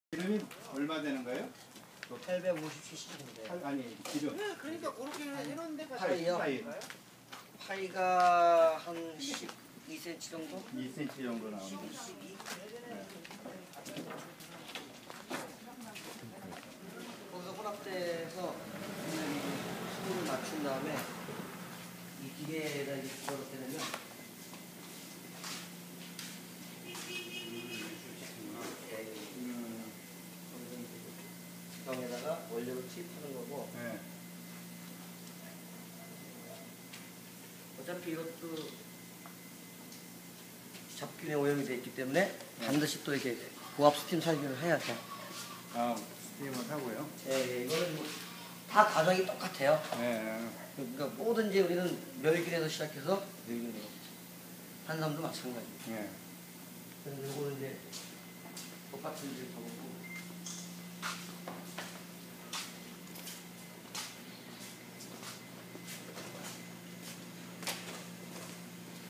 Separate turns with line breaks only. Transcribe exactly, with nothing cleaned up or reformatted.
기름이 얼마 되는 거예요?
팔백오십 씨씨인데.
아니 기름.
네, 그러니까 그렇게 해놓은 데가
파이요?
파이
파이가 한 십이 센티미터 정도?
이 센티미터 정도 나오는.
십이, 십이.
네.
거기서 혼합돼서 수분을 맞춘 다음에 이 기계에다 이제 집어넣게 되면
음,
병에다가 원료를 투입하는 거고,
네.
어차피 이것도 잡균에 오염이 되어 있기 때문에 반드시 또 이렇게 고압 스팀 살균을 해야 돼.
아 스팀을 하고요.
예, 예, 이거는 뭐 다 과정이 똑같아요.
네.
그러니까 뭐든지 우리는 멸균에서 시작해서 멸균으로. 한삼도 마찬가지.
네.
그래서 이거는 이제 똑같은 이제 방법고.